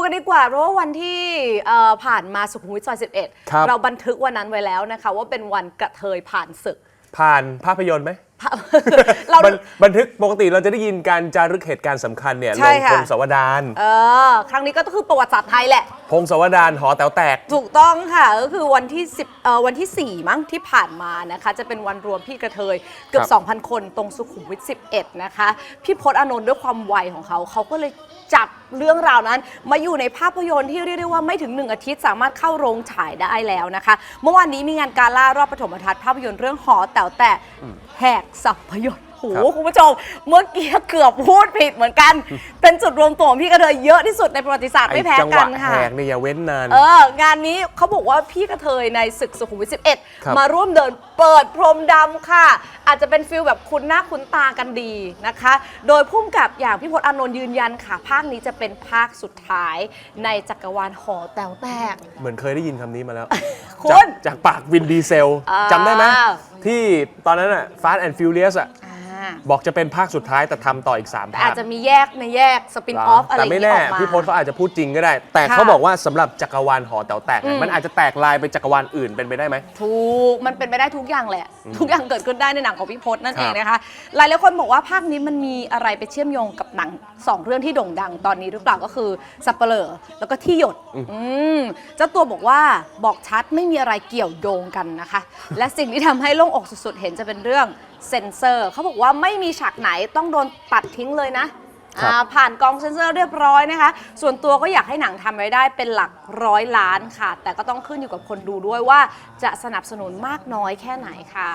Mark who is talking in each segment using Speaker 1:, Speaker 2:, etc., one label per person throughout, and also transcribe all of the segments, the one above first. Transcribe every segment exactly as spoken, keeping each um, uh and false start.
Speaker 1: กันดีกว่าเพราะว่าวันที่ผ่านมาสุขุมวิทซอยสิบเอ็ดเราบันทึกวันนั้นไว้แล้วนะคะว่าเป็นวันกระเทยผ่านศึก
Speaker 2: ผ่านภาพยนตร์ไหมเราบันทึกปกติเราจะได้ยินการจารึกเหตุการณ์สำคัญเนี่ยลงพงศาวดาร
Speaker 1: เออครั้งนี้ก็คือประวัติศาสตร์ไทยแหละ
Speaker 2: พงศาวดารหอแต๋วแตก
Speaker 1: ถูกต้องค่ะก็คือวันที่สิบเอ่อวันที่สี่มั้งที่ผ่านมานะคะจะเป็นวันรวมพี่กระเทยเกือบ สองพัน คนตรงสุขุมวิทสิบเอ็ดนะคะพี่พจน์อานนท์ด้วยความไวของเขาเขาก็เลยจับเรื่องราวนั้นมาอยู่ในภาพยนตร์ที่เรียกได้ว่าไม่ถึงหนึ่งอาทิตย์สามารถเข้าโรงฉายได้แล้วนะคะเมื่อวานนี้มีงานกาล่ารอบปฐมทัศน์ภาพยนตร์เรื่องหอแต๋วแตกแหกสัพยนตร์โหคุณผู้ชมเมื่อกี้เกือบพูดผิดเหมือนกันเป็นจุดรวมตัวของพี่กระเทยเยอะที่สุดในประวัติศาสตร์ไม่แพ้กันค่ะ
Speaker 2: จังหวะแหกเนี่ยอย่าเว้นนาน
Speaker 1: เอองานนี้เขาบอกว่าพี่กระเทยในศึกสุขุมวิทสิบเอ็ดมาร่วมเดินเปิดพรมดำค่ะอาจจะเป็นฟิลแบบคุ้นหน้าคุ้นตากันดีนะคะโดยพุ่มกับอย่างพี่พจน์อานนท์ยืนยันค่ะภาคนี้จะเป็นภาคสุดท้ายในจักรวาลหอแต๋วแตก
Speaker 2: เหมือนเคยได้ยินคำนี้มาแล้ว
Speaker 1: คุณ
Speaker 2: จากปากวินดีเซลจำได้ไหมที่ตอนนั้นอะ Fast and Furious อะบอกจะเป็นภาคสุดท้ายแต่ทำต่ออีกสามภาค
Speaker 1: อาจจะมีแยกในแยกสปินออฟอะไรอย่าง
Speaker 2: เงี้ยออกมาแต่ไม่แน่พี่พจน์เขาอาจจะพูดจริงก็ได้แต่เขาบอกว่าสำหรับจักรวาลหอแต๋วแตกมันอาจจะแตกลายไปจักรวาลอื่นเป็นไปได้ไหม
Speaker 1: ถูกมันเป็นไปได้ทุกอย่างแหละทุกอย่างเกิดขึ้นได้ในหนังของพี่พจน์นั่นเองนะคะหลายหลายคนบอกว่าภาคนี้มันมีอะไรไปเชื่อมโยงกับหนังสองเรื่องที่โด่งดังตอนนี้หรือเปล่าก็คือสัปเหร่อแล้วก็ที่หยดเจ้าตัวบอกว่าบอกชัดไม่มีอะไรเกี่ยวโยงกันนะคะและสิ่งที่ทำให้โล่งอกสุดๆเห็นจะเป็นเรื่องเซ็นเซอร์เขาบอกว่าไม่มีฉากไหนต้องโดนตัดทิ้งเลยนะผ่านกองเซ็นเซอร์เรียบร้อยนะคะส่วนตัวก็อยากให้หนังทำรายได้เป็นหลักร้อยล้านค่ะแต่ก็ต้องขึ้นอยู่กับคนดูด้วยว่าจะสนับสนุนมากน้อยแค่ไหนค่ะ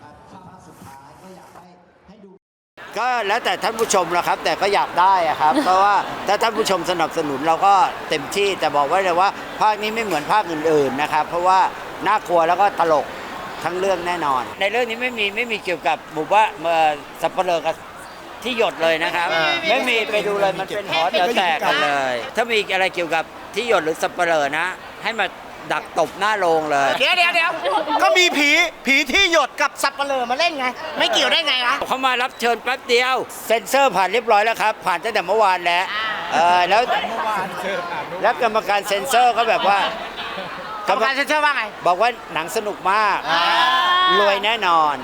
Speaker 3: ก็แล้วแต่ท่านผู้ชมละครับแต่ก็อยากได้ครับ เพราะว่าถ้าท่านผู้ชมสนับสนุนเราก็เต็มที่แต่บอกไว้เลยว่าภาคนี้ไม่เหมือนภาคอื่นๆนะครับเพราะว่าน่ากลัวแล้วก็ตลกทั้งเรื่องแน่นอน ในเรื่องนี้ไม่มีไม่มีเกี่ยวกับหมู่บ้านสัปเหร่อกับที่หยดเลยนะครับไม่มีไปดูเลยมันเป็นหอแต๋วแตกกันเลยถ้ามีอะไรเกี่ยวกับที่หยดหรือสัปเหร่อนะให้มาดักตบหน้าโรงเลย
Speaker 4: เดี๋ยวเดี๋ยวเดี๋ยวก็มีผีผีที่หยดกับสัปเหร่อมาเล่นไงไม่เกี่ยวได้ไงวะ
Speaker 3: เขามารับเชิญแป๊บเดียวเซ็นเซอร์ผ่านเรียบร้อยแล้วครับผ่านตั้งแต่เมื่อวานแล้วเออแล้วแล้วกรรมการเซ็นเซอร์ก็แบบว่าก
Speaker 4: รรมการเซ็นเซอร์ว่าไง
Speaker 3: บอกว่าหนังสนุกมากรวยแน่นอน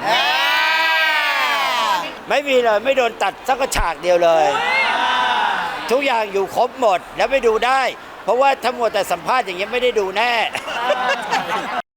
Speaker 3: ไม่มีเลยไม่โดนตัดสักฉากเดียวเลยทุกอย่างอยู่ครบหมดแล้วไปดูได้เพราะว่าทั้งหมดแต่สัมภาษณ์อย่างเงี้ยไม่ได้ดูแน่